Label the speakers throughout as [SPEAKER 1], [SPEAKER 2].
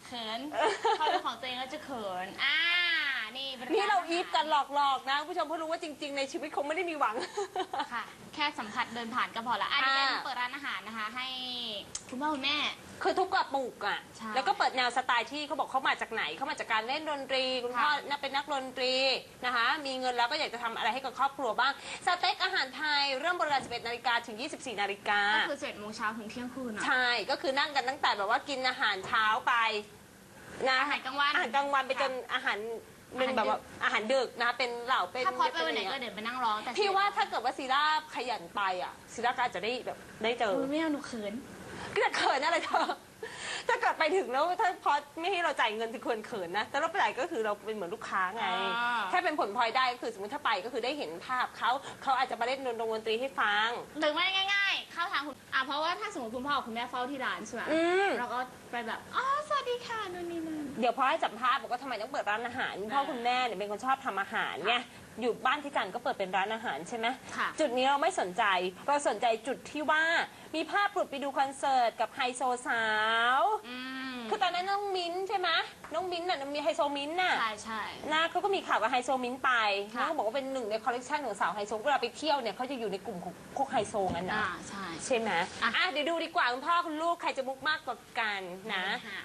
[SPEAKER 1] เขินพอเป็นของตัวเองก็จะเขิน
[SPEAKER 2] นี่เราอีฟกันหลอกๆนะผู้ชมเพื่อรู้ว่าจริงๆในชีวิตคงไม่ได้มีหวัง
[SPEAKER 1] ค่ะ แค่สัมผัสเดินผ่านก็พอละอันนี้เป็นเปิดร้านอาหารนะคะ ให้คุณพ่อคุณแม่
[SPEAKER 2] คือทุกกระปุกอ่ะ
[SPEAKER 1] ใช่
[SPEAKER 2] แล้วก็เปิดแนวสไตล์ที่เขาบอกเขามาจากไหนเขามาจากการเล่นดนตรีคุณพ่อเป็นนักดนตรีนะคะมีเงินแล้วก็อยากจะทำอะไรให้กับครอบครัวบ้างสเต็กอาหารไทยเริ่มบริการ 11 นาฬิกาถึง 24 นาฬิกา
[SPEAKER 1] ก็คือ7 โมงเช้าถึงเที่ยงคืนอ่ะ
[SPEAKER 2] ใช่ก็คือนั่งกันตั้งแต่แบบว่ากินอาหารเช้าไปนะ
[SPEAKER 1] อาหารกลางวัน
[SPEAKER 2] อาหารกลางวันไปจนอาหารเป็นแบบว่าอาหารดึกนะคะเป็นเหล่าเป็น
[SPEAKER 1] ถ้าพอดไปวันไหนก็เดี๋ยวไปนั่งร้องแต่
[SPEAKER 2] พี่ว่าถ้าเกิดว่าซีร่าขยันไปอ่ะซีร่าก็อาจจะได้แบบได้เจอ
[SPEAKER 1] ไม่เอาหนูเขิน
[SPEAKER 2] ก็จะเขินอะไรเธอถ้าเกิดไปถึงแล้วถ้าพอไม่ให้เราจ่ายเงินถึงควรเขินนะแต่เราไปไหนก็คือเราเป็นเหมือนลูกค้าไงถ้าเป็นผลพลอยได้ก็คือสมมติถ้าไปก็คือได้เห็นภาพเขาอาจจะมาเล่นดนตรีให้ฟัง
[SPEAKER 1] หรือไม่ง่ายๆเข้าทางคุณเพราะว่าถ้าสมมติคุณพ่อคุณแม่เฝ้าที่ร้านใช่ไหมเราก็ไปแบบสวัสดีค่ะนู่นนี่นั่น
[SPEAKER 2] เดี๋ยวพอให้สัมภาษณ์บอกว่าทำไมต้องเปิดร้านอาหารคุณพ่อคุณแม่เนี่ยเป็นคนชอบทำอาหารไงอยู่บ้านที่จันก็เปิดเป็นร้านอาหารใช่ไหมจุดนี้เราไม่สนใจเราสนใจจุดที่ว่ามีภาพปลุดไปดูคอนเสิร์ตกับไฮโซสาวคือตอนนั้นน้องมิ้นใช่ไหมน้องมิ้นน่ะมีไฮโซมิ้นน่ะ
[SPEAKER 1] ใช่
[SPEAKER 2] นะเขาก็มีข่าวกับไฮโซมิ้นไปน้องบอกว่าเป็นหนึ่งในคอลเลกชันของสาวไฮโซเวลาไปเที่ยวเนี่ยเขาจะอยู่ในกลุ่มของพวกไฮโซงั้นนะใช่ไหมเดี๋ยวดูดีกว่าคุณพ่อคุณลูกใครจะมุกมากกว่ากันนะ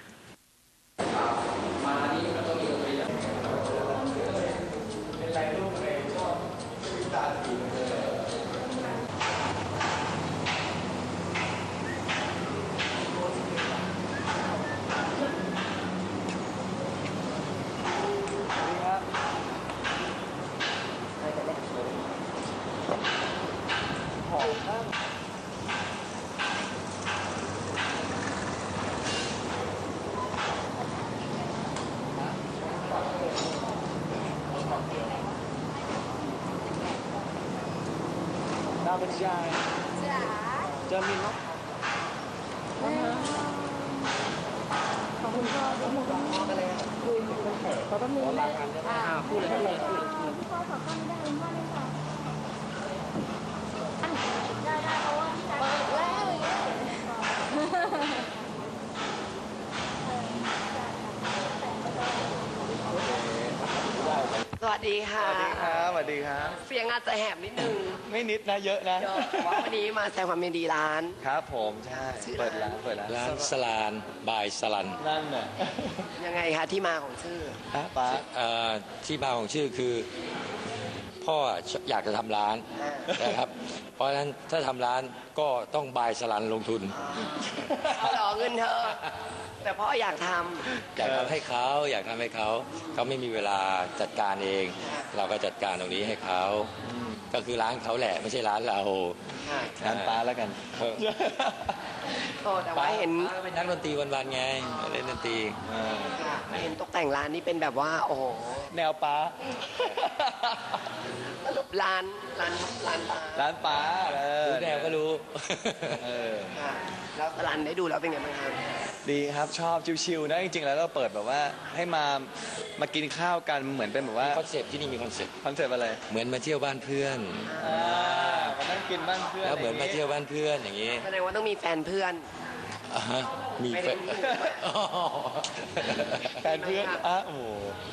[SPEAKER 3] มานี่มันต้องมีดนตรีเป็นไรลูกเลยชอบวิจารณ์ดีเลยดาวเป็นยายเจอมินเนาะขอบคุณพ่อขอบคุณพ่อกันเลยคุยกันเถอะเขาต้องมีรายงานพูดเลย
[SPEAKER 1] พ่อขอข้อไม่ได้คุณพ่อเลยค่ะได้เพราะว่าพี่ชายเปิดแล้ว
[SPEAKER 4] สวัสดีค่ะ
[SPEAKER 3] สวัสดีครับสวัสดีครับ
[SPEAKER 4] เสียงอาจจะแหบนิดนึง
[SPEAKER 3] ไม่นิดนะเยอะนะ
[SPEAKER 4] ว่าวันนี้มาแสดงความยินดีร้าน
[SPEAKER 3] ครับผมใช่เปิดร้าน
[SPEAKER 5] สลานบายสลัน
[SPEAKER 3] นั่นน่ะ
[SPEAKER 4] ยังไงคะที่มาของชื่อ
[SPEAKER 3] ป้า
[SPEAKER 5] ที่มาของชื่อคือพ่ออยากจะทำร้านนะครับเพราะฉะนั้นถ้าทำร้านก็ต้องบายสลันลงทุน
[SPEAKER 4] หล่อเงินเธอแต่พ่ออยากท
[SPEAKER 5] ำให้เขาอยากทำให้เขาไม่มีเวลาจัดการเอง เราก็จัดการตรงนี้ให้เขาก็คือร้านเขาแหละไม่ใช่ร้านเรา
[SPEAKER 3] ร้านป้าแล้วกัน
[SPEAKER 4] แต่ว่าเห็น
[SPEAKER 5] เป็นนักดนตรีวันๆไงเล่นดนตรี
[SPEAKER 4] เห็นตกแต่งร้านนี่เป็นแบบว่าโอ้โห
[SPEAKER 3] แนวป้า
[SPEAKER 4] ร้าน
[SPEAKER 3] ป้า
[SPEAKER 5] รู้แนวก็รู้
[SPEAKER 4] แล้วร้านได้ดูแล้วเป็นไงบ้างครับ
[SPEAKER 3] ดีครับชอบชิวๆนะจริงๆแล้วเราเปิดแบบว่าให้มากินข้าวกันเหมือนเป็นแบบว่า
[SPEAKER 5] คอนเซปต์ที่นี่มีคอนเซปต์
[SPEAKER 3] อะไร
[SPEAKER 5] เหมือนมาเที่ยวบ้านเพื่อน
[SPEAKER 3] มานั่งกินบ้านเพื่อน
[SPEAKER 5] แล้วเหมือนมาเที่ยวบ้านเพื่อนอย่างนี้
[SPEAKER 4] แสดงว่าต้องมีแฟนเพื่อน
[SPEAKER 5] มีแฟน
[SPEAKER 3] เพื่อนโอ้โห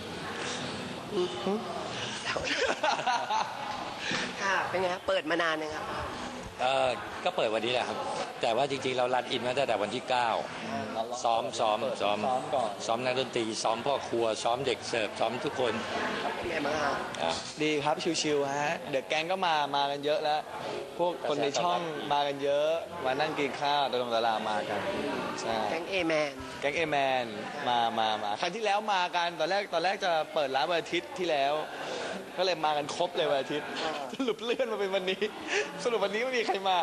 [SPEAKER 4] ค่ะเป็นไงครับเปิดมานานยังครับ
[SPEAKER 5] ก็เปิดวันนี้แหละครับแต่ว่าจริงๆเรารันอินมาตั้งแต่วันที่9ซ้อม
[SPEAKER 3] ก่อน
[SPEAKER 5] ซ้อมนักดนตรีซ้อมพ่อครัวซ้อมเด็กเสิร์ฟซ้อมทุกคน
[SPEAKER 4] เป็นไงบ้างครับ
[SPEAKER 3] ดีครับชิวๆฮะเด็กแก๊งก็มากันเยอะแล้วพวกคนในช่องมากันเยอะมานั่งกินข้าวดารามากันใช่
[SPEAKER 4] แก๊งเอแ
[SPEAKER 3] มนมาครั้งที่แล้วมากันตอนแรกจะเปิดร้านวันอาทิตย์ที่แล้วก็เลยมากันครบเลยวันอาทิตย์สรุปเลื่อนมาเป็นวันนี้สรุปวันนี้ไม่มีใครมา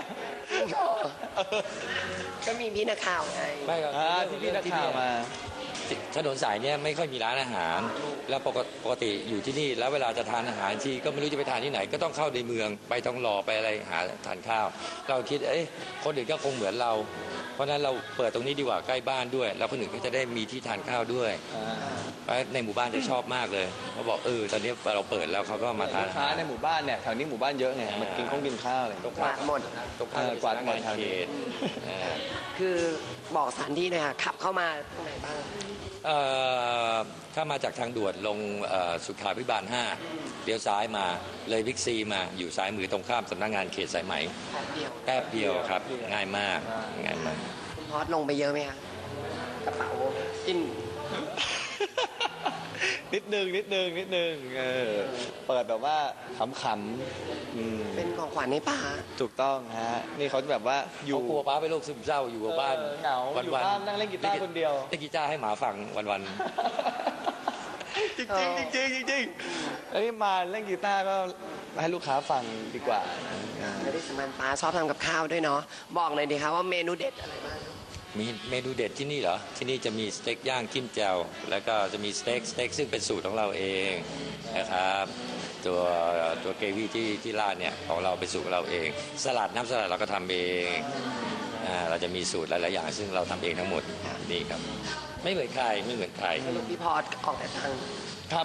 [SPEAKER 4] ก็มีพี่นักข่าวไง
[SPEAKER 5] ไม่ครับ
[SPEAKER 3] ที่พี่นักข่าวมา
[SPEAKER 5] ถนนสายเนี่ยไม่ค่อยมีร้านอาหารแล้วปกติอยู่ที่นี่แล้วเวลาจะทานอาหารทีก็ไม่รู้จะไปทานที่ไหนก็ต้องเข้าในเมืองไปต้องรอไปอะไรหาทานข้าวเราคิดคนอื่นก็คงเหมือนเราเพราะฉะนั้นเราเปิดตรงนี้ดีกว่าใกล้บ้านด้วย แล้วคนอื่นก็จะได้มีที่ทานข้าวด้วยเพราะในหมู่บ้านจะชอบมากเลยเขาบอกตอนนี้เราเปิดแล้วเขาก็มาทาน
[SPEAKER 3] ลูกค้าในหมู่บ้านเนี่ยแถวนี้หมู่บ้านเยอะไงมากินข้าวอะไร
[SPEAKER 4] กวาดหมด
[SPEAKER 5] ตรงข้าม
[SPEAKER 3] กวาดหมดทาง
[SPEAKER 5] เข
[SPEAKER 3] นี้
[SPEAKER 5] ตเอ่อ
[SPEAKER 4] คือบอกสถานที่หน่อยค่ะขับเข้ามาตรงไหนบ้าง
[SPEAKER 5] ถ้ามาจากทางด่วนลงสุขาภิบาล 5เลี้ยวซ้ายมาเลยบิ๊กซีมาอยู่ซ้ายมือตรงข้ามสำนักงานเขตสายไหม
[SPEAKER 4] แป๊บเดียว
[SPEAKER 5] แป๊บเดียวครับง่ายมากง่ายมาก
[SPEAKER 4] คุณพอสลงไปเยอะไหมคะกระเป๋ากิน
[SPEAKER 3] นิดนึงเปิดแบบว่าขำๆ
[SPEAKER 4] เป็นของขวัญให้ป้า
[SPEAKER 3] ถูกต้องฮะนี่เขาแบบว่าอยู่
[SPEAKER 5] เขากลัวป้าเป็นโรคซึมเศร้าอยู่กับบ้าน
[SPEAKER 3] เหงาอยู่บ้านนั่งเล่นกีตาร์คนเดียว
[SPEAKER 5] เล่นกีตาร์ให้หมาฟังวัน
[SPEAKER 3] จริงไอ้ยมาเล่นกีตาร์ก็ให้ลูกค้าฟังดีกว่า
[SPEAKER 4] ไม่ได้สำคัญป้าชอบทำกับข้าวด้วยเนาะบอกหน่อยดีคะว่าเมนูเด็ดอะไรบ้าง
[SPEAKER 5] ๆมีเมนูเด็ดที่นี่เหรอที่นี่จะมีสเต็กย่างจิ้มแจ่วแล้วก็จะมีสเต็กซึ่งเป็นสูตรของเราเองนะครับตัวเกวี่ที่ราดเนี่ยของเราเป็นสูตรของเราเองสลัดน้ำสลัดเราก็ทำเองเราจะมีสูตรหลายๆอย่างซึ่งเราทำเองทั้งหมดนี่ครับไม่เหมือนใคร
[SPEAKER 4] สรุปพี่พอสออกแต่ตังค์
[SPEAKER 3] ครับ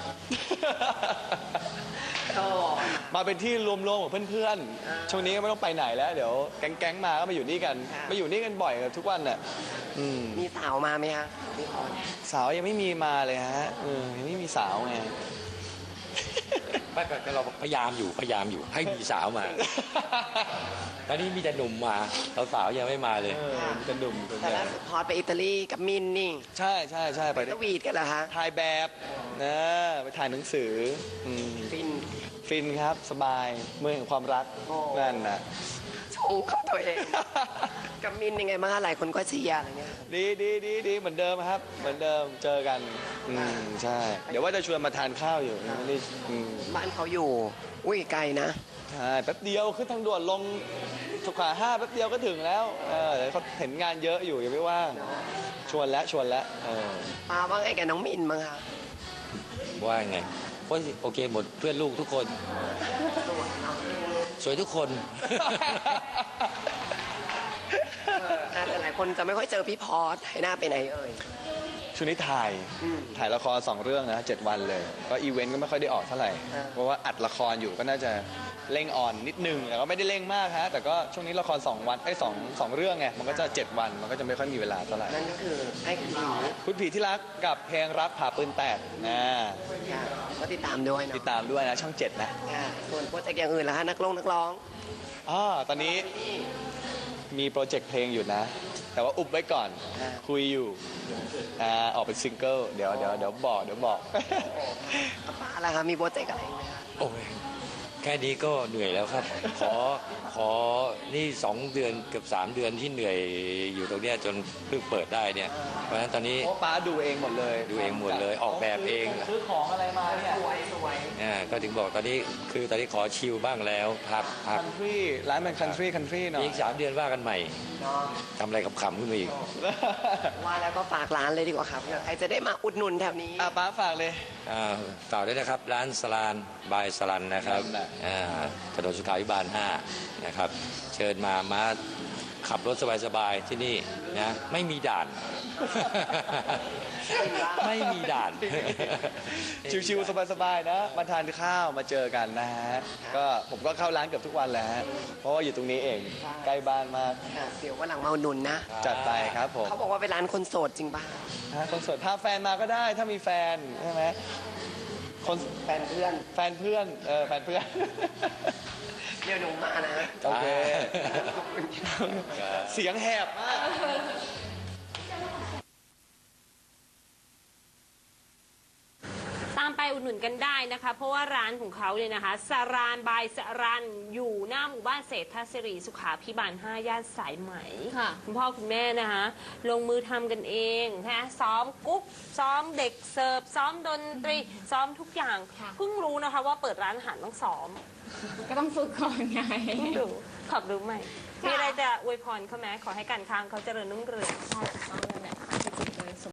[SPEAKER 4] ก็
[SPEAKER 3] มาเป็นที่รวมๆของเพื่อนๆช่วงนี้ก็ไม่ต้องไปไหนแล้วเดี๋ยวแก๊งๆมาก็มาอยู่นี่กันมาอยู่นี่กันบ่อยกันทุกวันน่ะ
[SPEAKER 4] มีสาวมาไหมคะพี่พอส
[SPEAKER 3] สาวยังไม่มีมาเลยฮะยังไม่มีสาวไง
[SPEAKER 5] ไม่เราพยายามอยู่ให้มีสาวมา ตอนนี้มีแต่หนุ่มมาสาวๆยังไม่มาเลย
[SPEAKER 3] จะหนุ่มส่วน
[SPEAKER 4] แต่
[SPEAKER 3] ใหญ่
[SPEAKER 4] ล่าสุดพอสไปอิตาลีกับมินนี่
[SPEAKER 3] ใช่ไป
[SPEAKER 4] สวีทกันเหรอคะ
[SPEAKER 3] ถ่ายแบบนะไปถ่ายหนังสือ
[SPEAKER 4] ฟิน
[SPEAKER 3] ฟินครับสบายเมืองแห่งความรัก
[SPEAKER 4] โอ้
[SPEAKER 3] นั่นนะ
[SPEAKER 4] ชงเข้าตัวเอง กับมินยังไงบ้างคะหลายคนก็เชียร์อะไรเงี้ย
[SPEAKER 3] ดีเหมือนเดิมครับ เหมือนเดิมเจอกันใช่ เดี๋ยวว่าจะชวนมาทานข้าวอยู่ไม่ได้
[SPEAKER 4] บ้านเขาอยู่ อุ้ยไกลนะ
[SPEAKER 3] ใช่แป๊บเดียวขึ้นทางด่วนลงสุขา5แป๊บเดียวก็ถึงแล้วเขาเห็นงานเยอะอยู่ยังไม่ว่าง ชวนแล้ว
[SPEAKER 4] ป้าว่าไงกับน้องมินบ้างคะ
[SPEAKER 5] ว่าไงโอเคหมดเพื่อนลูกทุกคน สวยทุกคน
[SPEAKER 4] แต่หลายคนจะไม่ค่อยเจอพี่พอสให้หน้าไปไหนเอ่ย
[SPEAKER 3] ช่วงนี้ถ่ายละคร2 เรื่องนะ7 วันเลยก็อีเวนต์ก็ไม่ค่อยได้ออกเท่าไหร่เพราะว่าอัดละครอยู่ก็น่าจะเร่งออนนิดนึงแต่ก็ไม่ได้เร่งมากฮะแต่ก็ช่วงนี้ละคร2 เรื่องไงมันก็จะ7 วันมันก็จะไม่ค่อยมีเวลาเท่าไหร่
[SPEAKER 4] นั่นก็คือให้คุณหญิง
[SPEAKER 3] คุณผีที่รักกับเพลงรักผ่าปืนแตกนะ
[SPEAKER 4] ก็ติดตามด้วยเนาะ
[SPEAKER 3] ติดตามด้วยนะช่อง 7นะ
[SPEAKER 4] ส่วนโปรเจกต์อย่างอื่นล่ะคะนักร้อง
[SPEAKER 3] ตอนนี้มีโปรเจกต์เพลงอยู่นะ แต่ว่าอุบไว้ก่อนคุยอยู่ออกเป็นซิงเกิลเดี๋ยวบอก
[SPEAKER 4] ป้าล่ะคะมีโปรเจกต์อะไรไหมคะ
[SPEAKER 5] โอ้ยแค่นี้ก็เหนื่อยแล้วครับ ขอนี่2 เดือนเกือบ3 เดือนที่เหนื่อยอยู่ตรงเนี้ยจนเพิ่งเปิดได้เนี่ยเพราะฉะนั้นตอนนี้
[SPEAKER 3] โอ้ป้าดูเองหมดเลย
[SPEAKER 5] ดูเองหมดเลยออกแบบเอง
[SPEAKER 3] ซื้อของอะไรมาเนี่ย
[SPEAKER 4] สวย
[SPEAKER 5] ก็ถึงบอกตอนนี้ขอชิลบ้างแล้วพัก
[SPEAKER 3] คันทรีร้านมันคันทรีหน่อย
[SPEAKER 5] อีก3 เดือนว่ากันใหม่
[SPEAKER 4] เนาะ
[SPEAKER 5] ทำอะไรขำๆขึ้นมาอีก
[SPEAKER 4] ว่าแล้วก็ฝากร้านเลยดีกว่าครับใครจะได้มาอุดหนุนแถวนี้
[SPEAKER 3] ป้าฝากเลย
[SPEAKER 5] ต่อด้วยนะครับร้านสลานบายสลันนะครับ
[SPEAKER 3] นั่นแหละ
[SPEAKER 5] ถนนสุขาภิบาล 5 นะครับ เชิญมาขับรถสบายๆที่นี่นะไม่มีด่าน ไม่มีด่าน
[SPEAKER 3] ชิวๆสบายๆนะมาทานข้าวมาเจอกันนะฮะก็ผมก็เข้าร้านเกือบทุกวันแหละฮะเพราะว่าอยู่ตรงนี้เองใกล้บ้านมาก
[SPEAKER 4] เดี๋ยววันหลังมาอุดหนุนนะ
[SPEAKER 3] จัดไปครับผม
[SPEAKER 4] เขาบอกว่าเป็นร้านคนโสดจริงป่ะ
[SPEAKER 3] คนสวยพาแฟนมาก็ได้ถ้ามีแฟนใช่ไหมคน
[SPEAKER 4] แฟนเพื่อน
[SPEAKER 3] แฟนเพื่อน
[SPEAKER 4] เดี๋ยวหนูมานะ
[SPEAKER 3] โอเค
[SPEAKER 4] ขอบคุณค่ะ
[SPEAKER 3] เสียงแหบมาก
[SPEAKER 2] ตามไปอุดหนุนกันได้นะคะ เพราะว่าร้านของเขาเนี่ยนะคะสรานบายสรันอยู่หน้าหมู่บ้านเศรษฐศิริสุขาภิบาล 5 ย่านสายไหม
[SPEAKER 1] ค่ะ
[SPEAKER 2] คุณพ่อคุณแม่นะคะลงมือทำกันเองนะซ้อมกุ๊กซ้อมเด็กเสิร์ฟซ้อมดนตรีซ้อมทุกอย่าง
[SPEAKER 1] ค่ะ
[SPEAKER 2] เพิ่งรู้นะคะว่าเปิดร้านอาหารต้องซ้อม
[SPEAKER 1] ก็ต้องฝึกก่อนไง
[SPEAKER 2] เพิ่งรู้ขอบรู้ใหม่
[SPEAKER 1] ค่ะ
[SPEAKER 2] มีอะไรจะอวยพรเขาไหมขอให้การค้าเขาเจริญรุ่งเรือง
[SPEAKER 1] ใช่ถูกต้องเลย